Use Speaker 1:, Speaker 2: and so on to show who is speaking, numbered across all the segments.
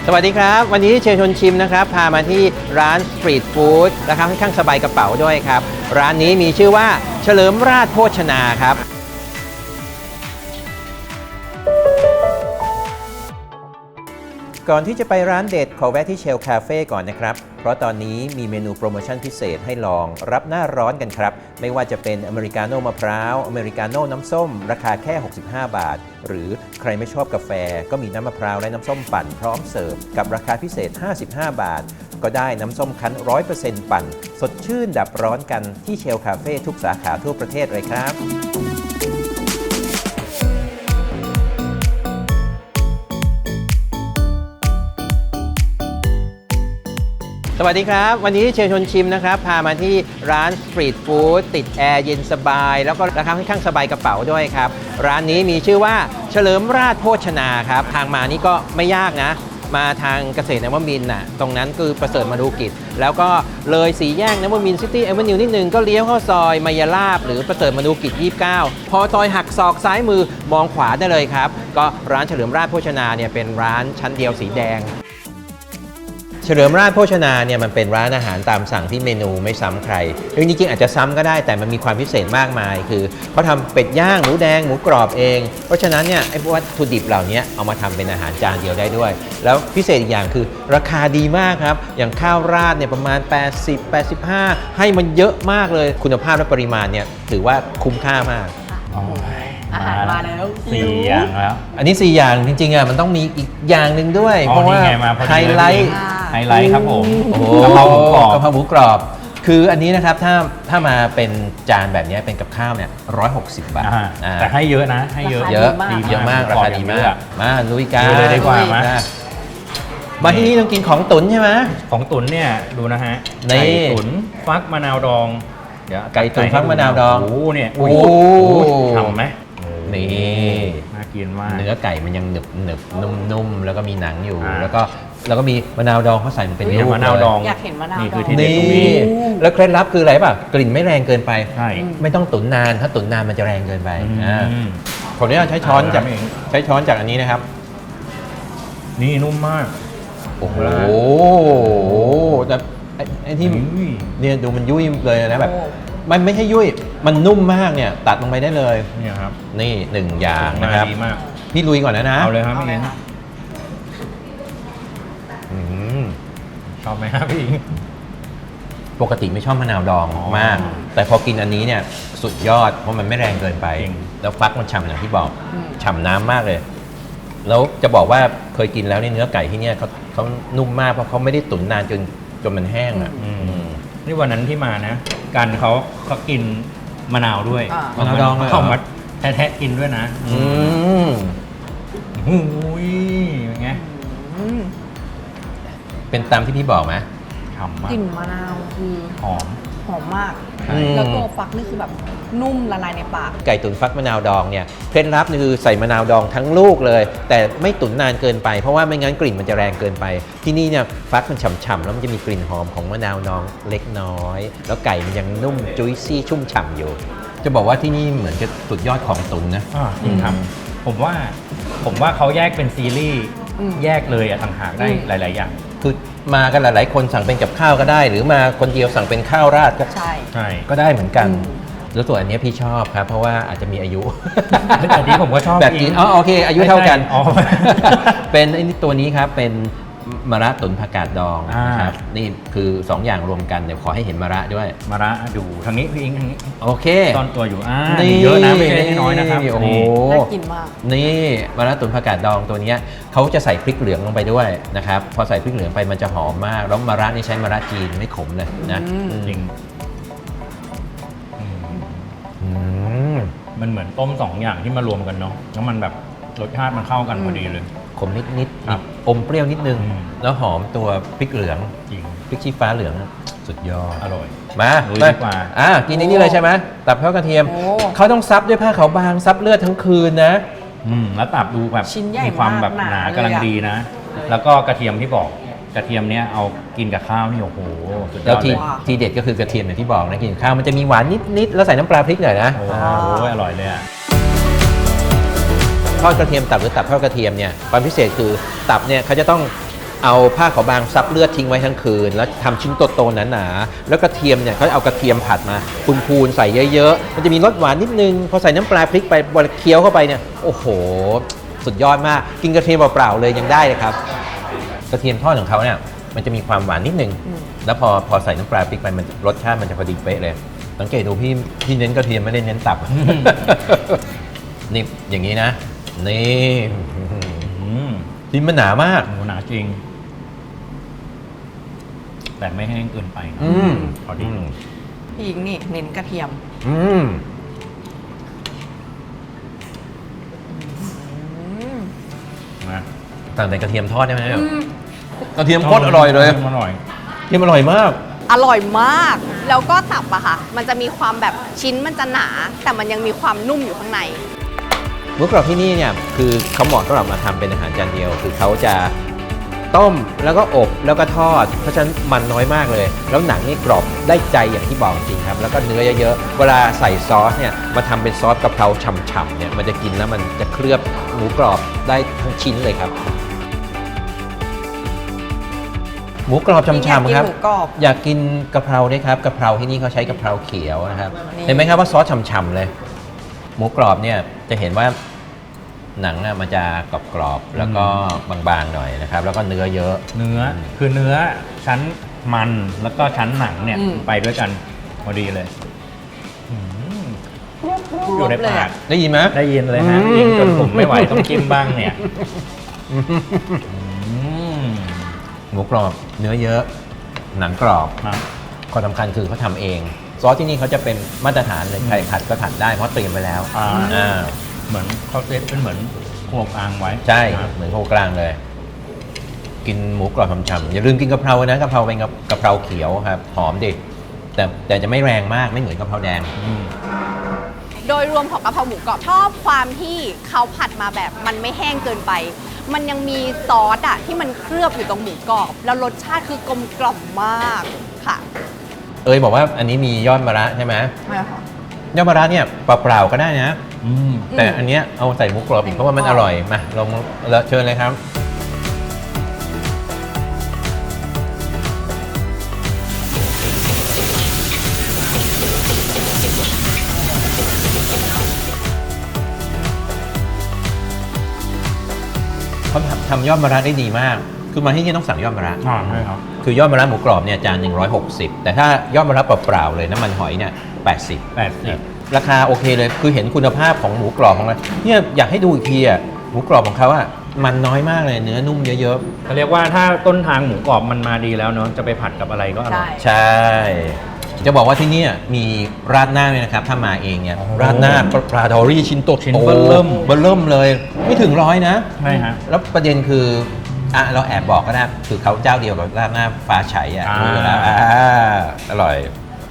Speaker 1: สวัสดีครับวันนี้เชิญชวนชิมนะครับพามาที่ร้านสตรีทฟู้ดราคาค่อนข้างสบายกระเป๋าด้วยครับร้านนี้มีชื่อว่าเฉลิมราชโภชนาครับก่อนที่จะไปร้านเด็ดขอแวะที่เชลคาเฟ่ก่อนนะครับเพราะตอนนี้มีเมนูโปรโมชั่นพิเศษให้ลองรับหน้าร้อนกันครับไม่ว่าจะเป็นอเมริกาโน่มะพร้าวอเมริกาโน่น้ำส้มราคาแค่65 บาทหรือใครไม่ชอบกาแฟก็มีน้ำมะพร้าวและน้ำส้มปั่นพร้อมเสิร์ฟกับราคาพิเศษ55 บาทก็ได้น้ำส้มคั้น 100% ปั่นสดชื่นดับร้อนกันที่เชลคาเฟ่ทุกสาขาทั่วประเทศเลยครับสวัสดีครับวันนี้เชิญชวนชิมนะครับพามาที่ร้านสตรีทฟู้ดติดแอร์เย็นสบายแล้วก็ราคาค่อนข้างสบายกระเป๋าด้วยครับร้านนี้มีชื่อว่าเฉลิมราชโภชนาครับทางมานี่ก็ไม่ยากนะมาทางเกษตรนวมินทร์น่ะตรงนั้นคือประเสริฐมนูกิจแล้วก็เลยสี่แยกนวมินทร์ซิตี้แอเวนิวนิดนึงก็เลี้ยวเข้าซอยมายาลาบหรือประเสริฐมนูกิจ29พอซอยหักศอกซ้ายมือมองขวาได้เลยครับก็ร้านเฉลิมราชโภชนาเนี่ยเป็นร้านชั้นเดียวสีแดงเฉลิมราชโภชนาเนี่ยมันเป็นร้านอาหารตามสั่งที่เมนูไม่ซ้ำใครจริงๆอาจจะซ้ำก็ได้แต่มันมีความพิเศษมากมายคือเขาทำเป็ดย่างหมูแดงหมูกรอบเองเพราะฉะนั้นเนี่ยไอ้วัตถุดิบเหล่านี้เอามาทำเป็นอาหารจานเดียวได้ด้วยแล้วพิเศษอีกอย่างคือราคาดีมากครับอย่างข้าวราดเนี่ยประมาณ80-85ให้มันเยอะมากเลยคุณภาพและปริมาณเนี่ยถือว่าคุ้มค่ามาก
Speaker 2: อาหารมาแล้ว
Speaker 3: 4 อย่างแล้ว
Speaker 1: อันนี้4อย่างจริงๆอ่ะมันต้องมีอีกอย่างหนึ่งด้วยเพราะว่าไฮไลท์
Speaker 3: ครับผม
Speaker 1: กะเพราหมูกรอบกะเพราหมูกรอบคืออันนี้นะครับถ้ามาเป็นจานแบบนี้เป็นกับข้าวเนี่ย160 บาท
Speaker 3: แต่ให้เยอะนะให้เยอะ
Speaker 1: เยอะมากราคาดีมากมาลุยกัน
Speaker 3: เลยดีกว่า
Speaker 1: มาที่นี่ต้องกินของตุ๋นใช่ไหม
Speaker 3: ของตุ๋นเนี่ยดูนะฮะไก่ตุ๋นฟักมะนาวดอง
Speaker 1: ไก่ตุ๋นฟักมะนาวดอง
Speaker 3: โอ้เนี่ยโอ้ทำไหม
Speaker 1: นี่
Speaker 3: น่ากินมาก
Speaker 1: เนื้อไก่มันยังหนึบนุ่มๆแล้วก็มีหนังอยู่แล้วก็มีมะนาวดองเขาใส่มันเป็น
Speaker 3: มะนาวดอง
Speaker 2: อยากเห็นมะนาว
Speaker 3: นี่คือที่เด็ดตรงนี้
Speaker 1: แล้วเคล็ดลับคืออะไรป่ะกลิ่นไม่แรงเกินไป
Speaker 3: ใช่
Speaker 1: ไม่ต้องตุ๋นนานถ้าตุ๋นนานมันจะแรงเกินไปผมเนี่ยใช้ช้อนจากอันนี้นะครับ
Speaker 3: นี่นุ่มมาก
Speaker 1: โอ้โหแต่ไอ้ที่เนี่ยดูมันยุ่ยเลยนะแบบมันไม่ใช่ยุ่ยมันนุ่มมากเนี่ยตัดลงไปได้เลย
Speaker 3: นี่ครับ
Speaker 1: นี่1 อย่างนะครับพี่ลุยก่อนนะ
Speaker 3: เอาเลยครับพี่อิงชอบไหมครับพี่อิง
Speaker 1: ปกติไม่ชอบมะนาวดองมากแต่พอกินอันนี้เนี่ยสุดยอดเพราะมันไม่แรงเกินไปแล้วฟักมันฉ่ำอย่างที่บอกฉ่ำน้ำมากเลยแล้วจะบอกว่าเคยกินแล้วในเนื้อไก่ที่เนี่ยเขานุ่มมากเพราะเขาไม่ได้ตุ๋นนานจนมันแห้งอ่ะ
Speaker 3: นี่วันนั้นที่มานะกันเขากินมะนาวด้วย
Speaker 1: มะนาวดอง
Speaker 3: เขามาแทะกินด้วยนะหูยเป็นไง
Speaker 1: เป็นตามที่พี่บอกไหม
Speaker 3: ฉ่ำมาก
Speaker 2: กลิ่นมะนาวคือ
Speaker 3: หอม
Speaker 2: มากแล้วตัวฟักนี่คือแบบนุ่มละลายในปาก
Speaker 1: ไก่ตุ๋นฟักมะนาวดองเนี่ยเคล็ดลับนี่คือใส่มะนาวดองทั้งลูกเลยแต่ไม่ตุ๋นนานเกินไปเพราะว่าไม่งั้นกลิ่นมันจะแรงเกินไปที่นี่เนี่ยฟักมันฉ่ำๆแล้วมันจะมีกลิ่นหอมของมะนาวดองเล็กน้อยแล้วไก่มันยังนุ่มจุ้ยซี่ชุ่มฉ่ำอยู่จะบอกว่าที่นี่เหมือนจะสุดยอดของตุ๋นนะ
Speaker 3: จริงครับผมว่าเขาแยกเป็นซีรีส์แยกเลยต่างหากได้หลายๆอย่าง
Speaker 1: คือมากันหลายๆคนสั่งเป็นกับข้าวก็ได้หรือมาคนเดียวสั่งเป็นข้าวราดก็
Speaker 3: ใช่
Speaker 1: ก็ได้เหมือนกันแล้วส่วนอันนี้พี่ชอบครับเพราะว่าอาจจะมีอายุ
Speaker 3: แต่นี้ผมก็ชอบ
Speaker 1: แบบกินโอเคอายุเท่ากันเป็นไอ้ตัวนี้ครับเป็นมะระตุ๋นผักกาดดองนะครับนี่คือ2 อย่างรวมกันเดี๋ยวขอให้เห็นมะระด้วย
Speaker 3: มะระดูทางนี้พี่อิงทางนี้
Speaker 1: โอเค
Speaker 3: ตอนตัวอยู่นี่เยอะนะไม่ใช่น้อยนะครับ
Speaker 1: โอ้โห
Speaker 2: น่ากินมาก
Speaker 1: นี่มะระตุ๋นผักกาดดองตัวนี้เขาจะใส่พริกเหลืองลงไปด้วยนะครับพอใส่พริกเหลืองไปมันจะหอมมากแล้วมะระนี่ใช้มะระจีนไม่ขมเลยนะ
Speaker 3: จริงมันเหมือนต้ม2 อย่างที่มารวมกันเนาะแล้วมันแบบรสชาติมันเข้ากันพอดีเลย
Speaker 1: ขมนิดอมเปรี้ยวนิดนึงแล้วหอมตัวพริกเหลือง
Speaker 3: จริง
Speaker 1: พริกชี้ฟ้าเหลืองสุดยอด
Speaker 3: อร่อย
Speaker 1: มา
Speaker 3: ดีกว่า
Speaker 1: กินนี่เลยใช่ไหมตับทอดกระเทียมเขาต้องซับด้วยผ้าขาวบางซับเลือดทั้งคืนนะ
Speaker 3: แล้วตับดูแบบมีความแบบหนากำลังดีนะแล้วก็กระเทียมที่บอกกระเทียมเนี้ยเอากินกับข้าวนี่โอ้โหสุดยอดเลย
Speaker 1: ทีเด็ดก็คือกระเทียมอย่างที่บอกนะกินข้าวมันจะมีหวานนิดแล้วใส่น้ำปลาพริกหน่อยนะ
Speaker 3: โอ้อร่อยเลย
Speaker 1: ทอดกระเทียมตับหรือตับทอดกระเทียมเนี่ยความพิเศษคือตับเนี่ยเขาจะต้องเอาผ้าขาวบางซับเลือดทิ้งไว้ทั้งคืนแล้วทำชิ้นโตๆหนาๆแล้วกระเทียมเนี่ยเขาเอากระเทียมผัดมาพูนๆใส่เยอะๆมันจะมีรสหวานนิดนึงพอใส่น้ำปลาพริกไปบดเคี้ยวเข้าไปเนี่ยโอ้โหสุดยอดมากกินกระเทียมเปล่าๆเลยยังได้เลยครับกระเทียมทอดของเขาเนี่ยมันจะมีความหวานนิดนึงแล้วพอใส่น้ำปลาพริกไปมันรสชาติมันจะพอดีเป๊ะเลยสังเกตดูพี่เน้นกระเทียมไม่ได้เน้นตับ นี่อย่างนี้นะนี่ชิ้นมันหนามาก
Speaker 3: หนาจริง แต่ไม่แห้งเกินไปนะพอดี
Speaker 2: พี่หญิงนี่เน้นกระเทียม
Speaker 3: นะ
Speaker 1: ต่างแต่กระเทียมทอดได้ไหมเนี่ยกระเทียมโคตรอร่อยเลย
Speaker 3: อร่อย
Speaker 1: กระเทียมอร่อยมาก
Speaker 2: อร่อยมาก แล้วก็ตับอะค่ะ มันจะมีความแบบชิ้นมันจะหนา แต่มันยังมีความนุ่มอยู่ข้างใน
Speaker 1: หมูกรอบที่นี่เนี่ยคือเขาเหมาะสำหรับมาทำเป็นอาหารจานเดียว คือเขาจะต้มแล้วก็อบแล้วก็ทอด เพราะฉะนั้นมันน้อยมากเลย แล้วหนังนี่กรอบได้ใจอย่างที่บอกจริงครับ แล้วก็เนื้อเยอะๆ เวลาใส่ซอสเนี่ยมาทำเป็นซอสกะเพราฉ่ำๆเนี่ยมันจะกินแล้วมันจะเคลือบหมูกรอบได้ทั้งชิ้นเลยครับ หมูกรอบฉ่ำๆครับ
Speaker 2: อยากกินหมูกรอบ
Speaker 1: อยากกินกะเพราด้วยครับกะเพราที่นี่เขาใช้กะเพราเขียวนะครับ
Speaker 2: นี่
Speaker 1: เห็นไหมครับว่าซอสฉ่ำๆเลย หมูกรอบเนี่ยจะเห็นว่าหนังมันจะกรอบๆแล้วก็บางๆหน่อยนะครับ แล้วก็เนื้อเยอะ
Speaker 3: เนื้อคือเนื้อชั้นมันแล้วก็ชั้นหนังเนี่ยไปด้วยกันพอดีเลยอยู่ในปาก
Speaker 1: ได้ยินไหม
Speaker 3: ได้ยินเลยฮะยิงจนผมไม่ไหวต้องจิ้มบ้างเนี่ย
Speaker 1: หมูกรอบเนื้อเยอะ หนังกรอบ
Speaker 3: ครับ
Speaker 1: ข้อสำคัญคือเขาทำเอง ซอสที่นี่เขาจะเป็นมาตรฐานเลยใครขัดก็ขัดได้เพราะเตรียมไว้แล้ว
Speaker 3: อ่า เหมือนเขาเซตเป็นเหมือนโขลกอ่างไว้
Speaker 1: ใช่
Speaker 3: ครับ
Speaker 1: เหมือนโคกลางเลย กินหมูกรอบฉ่ำๆอย่าลืมกินกะเพรานะกะเพราเป็นกะเพราเขียวครับหอมดิแต่จะไม่แรงมากไม่เหมือนกะเพราแดง
Speaker 2: โดยรวมของกะเพราหมูกรอบชอบความที่เขาผัดมาแบบมันไม่แห้งเกินไป มันยังมีซอสอะที่มันเคลือบอยู่ตรงหมูกรอบ แล้วรสชาติคือกลมกล่อมมากค่ะ
Speaker 1: บอกว่าอันนี้มียอดมะระใช่ไหม
Speaker 2: ใช่ค่ะ
Speaker 1: ยอดมะระเนี่ยเปล่าๆก็ได้นะ แต่อันเนี้ยเอาใส่หมูกรอบอีกเพราะว่ามันอร่อยมาลองแล้วเชิญเลยครับเขาทำยอดมะระได้ดีมาก คือมาที่นี่ต้องสั่งยอดมะระ
Speaker 3: ใช่ครับ
Speaker 1: คือยอดมะระหมูกรอบเนี่ยจาน160แต่ถ้ายอดมะระเปล่าๆเลยน้ำมันหอยเนี่ย80ราคาโอเคเลยคือเห็นคุณภาพของหมูกรอบของเราเนี่ยอยากให้ดูอีกทีอ่ะหมูกรอบของเขาอ่ะมันน้อยมากเลยเนื้อนุ่มเยอะ
Speaker 3: เขาเรียกว่าถ้าต้นทางหมูกรอบมันมาดีแล้วเนาะจะไปผัดกับอะไรก็อร่อย
Speaker 1: ๆใช่ จะบอกว่าที่นี่มีราดหน้าเลยนะครับถ้ามาเองเนี่ย
Speaker 3: โอ้โห
Speaker 1: ราดหน้าปลาดอรี่ชิ้นโต
Speaker 3: ชิ้นเบิ่ม
Speaker 1: เบิ่มเลยไม่ถึง100นะ
Speaker 3: ใช่ฮะ
Speaker 1: แล้วประเด็นคือเราแอบบอกก็ได้คือเขาเจ้าเดียวกับราดหน้าฟ้าไฉอ่ะรู้อยู่แล้วอร่อย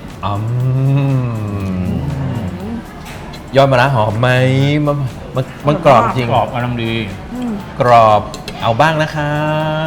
Speaker 1: ยอดมะระหอมไหมมันกรอบจริง
Speaker 3: กรอบกำลังดี
Speaker 1: กรอบเอาบ้างนะครับ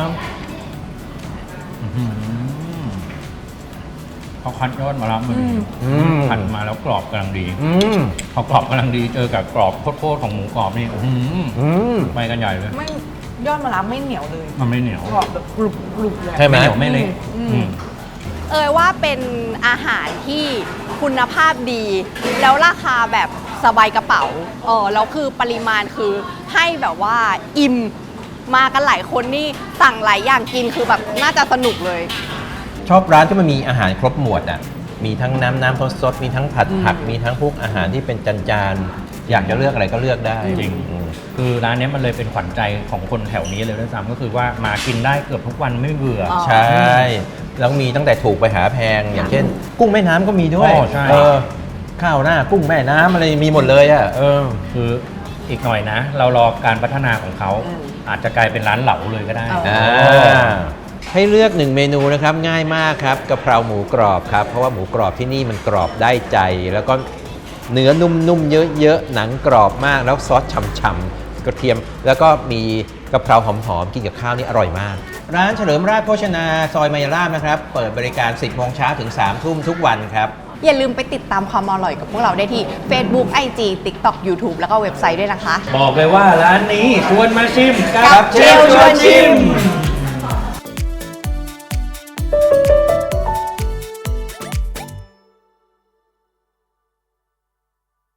Speaker 3: เขาคัดยอดมาแล้วมันผัดมาแล้วกรอบกำลังดีพอกรอบกำลังดีเจอกับกรอบโคตรๆของหมูกรอบนี่ไปกันใหญ่เลย
Speaker 2: ไม่ยอดมะระไม่เหนียวเลย
Speaker 3: มันไม่เหนียว
Speaker 2: กรอบแบบกรุบกรุบเลย
Speaker 1: ใช่ไหม
Speaker 3: ไม่เหนียวไม่เละ
Speaker 2: ว่าเป็นอาหารที่คุณภาพดี แล้วราคาแบบสบายกระเป๋าแล้วคือปริมาณคือให้แบบว่าอิ่มมากันหลายคนนี่สั่งหลายอย่างกินคือแบบน่าจะสนุกเลย
Speaker 1: ชอบร้านที่มันมีอาหารครบหมวดอ่ะมีทั้งน้ำสดมีทั้งผัดผักมีทั้งพวกอาหารที่เป็นจานๆอยากจะเลือกอะไรก็เลือกได้
Speaker 3: จริง คือร้านนี้มันเลยเป็นขวัญใจของคนแถวนี้เลยด้วยซ้ำก็คือว่ามากินได้เกือบทุกวันไม่เบื่อ
Speaker 1: ใช่แล้วมีตั้งแต่ถูกไปหาแพงอย่างเช่น กุ้งแม่น้ำก็มีด้วย
Speaker 3: ใช่
Speaker 1: ข้าวหน้ากุ้งแม่น้ำอะไรมีหมดเลยอ่ะ
Speaker 3: คืออีกหน่อยนะ เรารอการพัฒนาของเขาอาจจะกลายเป็นร้านเหลาเลยก็ได้
Speaker 1: ให้เลือก1เมนูนะครับง่ายมากครับกะเพราหมูกรอบครับเพราะว่าหมูกรอบที่นี่มันกรอบได้ใจ แล้วก็เนื้อนุ่มๆเยอะๆหนังกรอบมากแล้วซอสฉ่ำๆกระเทียมแล้วก็มีกะเพราหอมๆกินกับข้าวนี่อร่อยมากร้านเฉลิมราชโภชนาซอยมายาลาบนะครับเปิดบริการ 10 โมงเช้าถึง 3 ทุ่มทุกวันครับ
Speaker 2: อย่าลืมไปติดตามความอร่อยกับพวกเราได้ที่ Facebook IG TikTok YouTube แล้วก็เว็บไซต์ด้วยนะคะ
Speaker 3: บอกเลยว่าร้านนี้ชวนมาชิม
Speaker 2: กับเชลชวนชิม